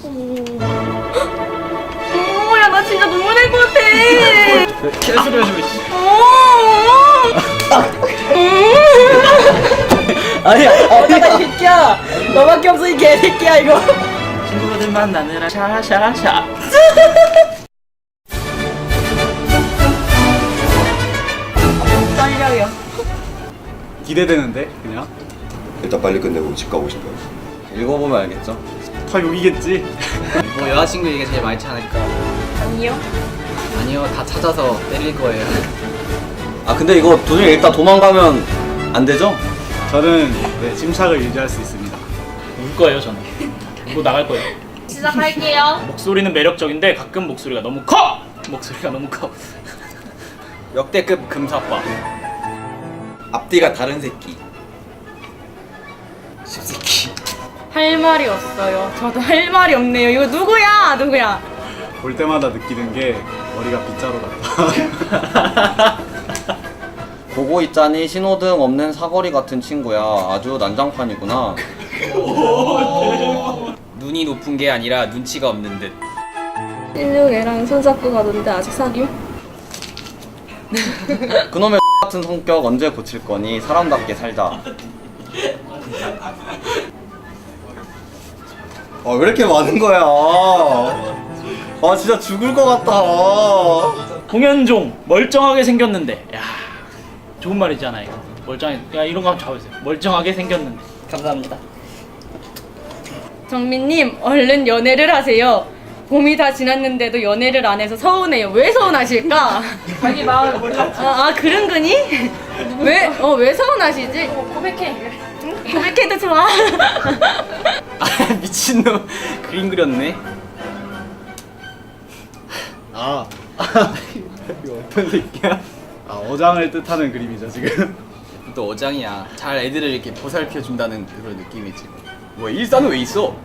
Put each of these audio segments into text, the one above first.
야, 나 진짜 눈물 날 것 같아. 개소리 해주고 있어. 아니야, 이 새끼야. 너밖에 없어 이 개새끼야 이거. 친구들 만나느라 샤샤샤. 떨려요. 기대되는데 그냥 일단 빨리 끝내고 집 가고 싶어요. 읽어보면 알겠죠. 다 욕이겠지. 뭐 여자친구 얘기가 제일 많지 않을까? 아니요. 아니요, 다 찾아서 때릴 거예요. 아 근데 이거 도중에 일단 도망가면 안 되죠? 저는 네, 침착을 유지할 수 있습니다. 울 거예요 저는. 울고 나갈 거예요. 시작할게요. 목소리는 매력적인데 가끔 목소리가 너무 커. 목소리가 너무 커. 역대급 금사빠. 앞뒤가 다른 새끼. 십새끼. 할 말이 없어요. 저도 할 말이 없네요. 이거 누구야? 누구야? 볼 때마다 느끼는 게 머리가 빗자루 같다. 보고 있자니 신호등 없는 사거리 같은 친구야. 아주 난장판이구나. 눈이 높은 게 아니라 눈치가 없는 듯. 16애랑 손잡고 가던데 아직 사귀어? 그놈의 같은 성격 언제 고칠 거니? 사람답게 살자. 아 왜 이렇게 많은 거야? 아 진짜 죽을 것 같다. 홍현종 멀쩡하게 생겼는데. 야 좋은 말이잖아 이거. 멀쩡해. 야 이런 거 한번 잡으세요. 멀쩡하게 생겼는데. 감사합니다. 정민님, 얼른 연애를 하세요. 봄이 다 지났는데도 연애를 안 해서 서운해요. 왜 서운하실까? 자기 마음 몰랐지. 그런 거니? 왜 서운하시지? 고백해. 응? 고백해도 좋아. 아, 미친놈. 그림 그렸네. 아 이거 어떤 새끼야? 아 어장을 뜻하는 그림이죠 지금. 또 어장이야. 잘 애들을 이렇게 보살펴 준다는 그런 느낌이지. 뭐야, 일산은 왜 있어?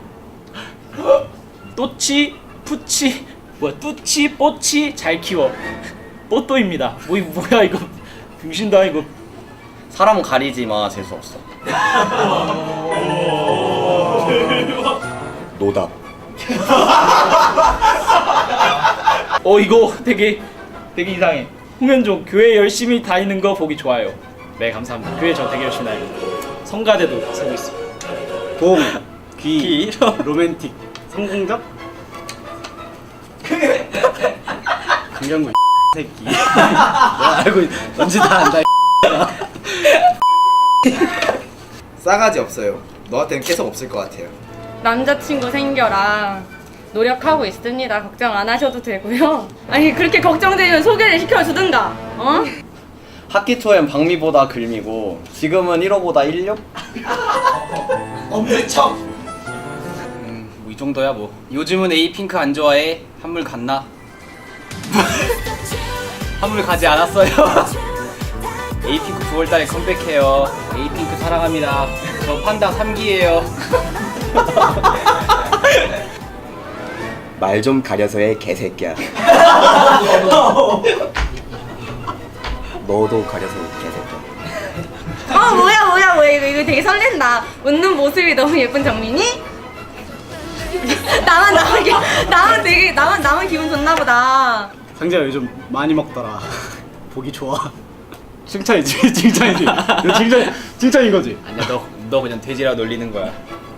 또치 푸치 뭐야 뚜치 뽀치 잘 키워. 뽀또입니다. 뭐야 이거. 병신다 이거. 사람 가리지 마. 재수 없어. 노답. 이거 되게 이상해. 홍현종 교회 열심히 다니는 거 보기 좋아요. 네 감사합니다. 교회 저 되게 열심히 다니고 성가대도 쓰고 있습니다. 봄, 귀, 로맨틱, 성공적. 강경구 새끼. 내가 알고 뭔지 다 안다. 싸가지 없어요. 너한테는 계속 없을 것 같아요. 남자친구 생겨라. 노력하고 있습니다. 걱정 안 하셔도 되고요. 아니 그렇게 걱정되면 소개를 시켜주든가. 어? 학기 초엔 박미보다 글미고 지금은 1호보다 16? 없는 척. 뭐 이 정도야 뭐. 요즘은 에이핑크 안 좋아해. 한물 갔나? 한물 가지 않았어요. 에이핑크 9월달에 컴백해요. 에이핑크 사랑합니다. 저 판다 3기예요. 말 좀 가려서 해 개새끼야. 너도 가려서 개새끼야. 뭐야 이거 되게 설렌다. 웃는 모습이 너무 예쁜 정민이? 나만 기분 좋나 보다. 상재가 요즘 많이 먹더라. 보기 좋아. 칭찬이지, 칭찬이지. 이거 칭찬인 거지. 아니야, 너 그냥 돼지라 놀리는 거야.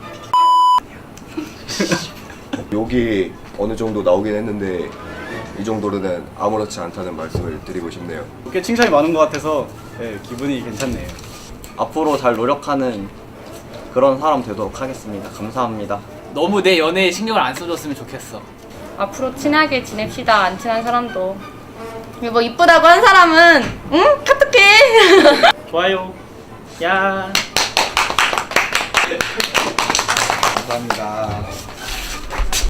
욕이 어느 정도 나오긴 했는데 이 정도로는 아무렇지 않다는 말씀을 드리고 싶네요. 꽤 칭찬이 많은 것 같아서 네, 기분이 괜찮네요. 앞으로 잘 노력하는 그런 사람 되도록 하겠습니다. 감사합니다. 너무 내 연애에 신경을 안 써줬으면 좋겠어. 앞으로 친하게 지냅시다. 안 친한 사람도. 뭐 이쁘다고 한 사람은 응? 카톡해. 좋아요. 야. 감사합니다.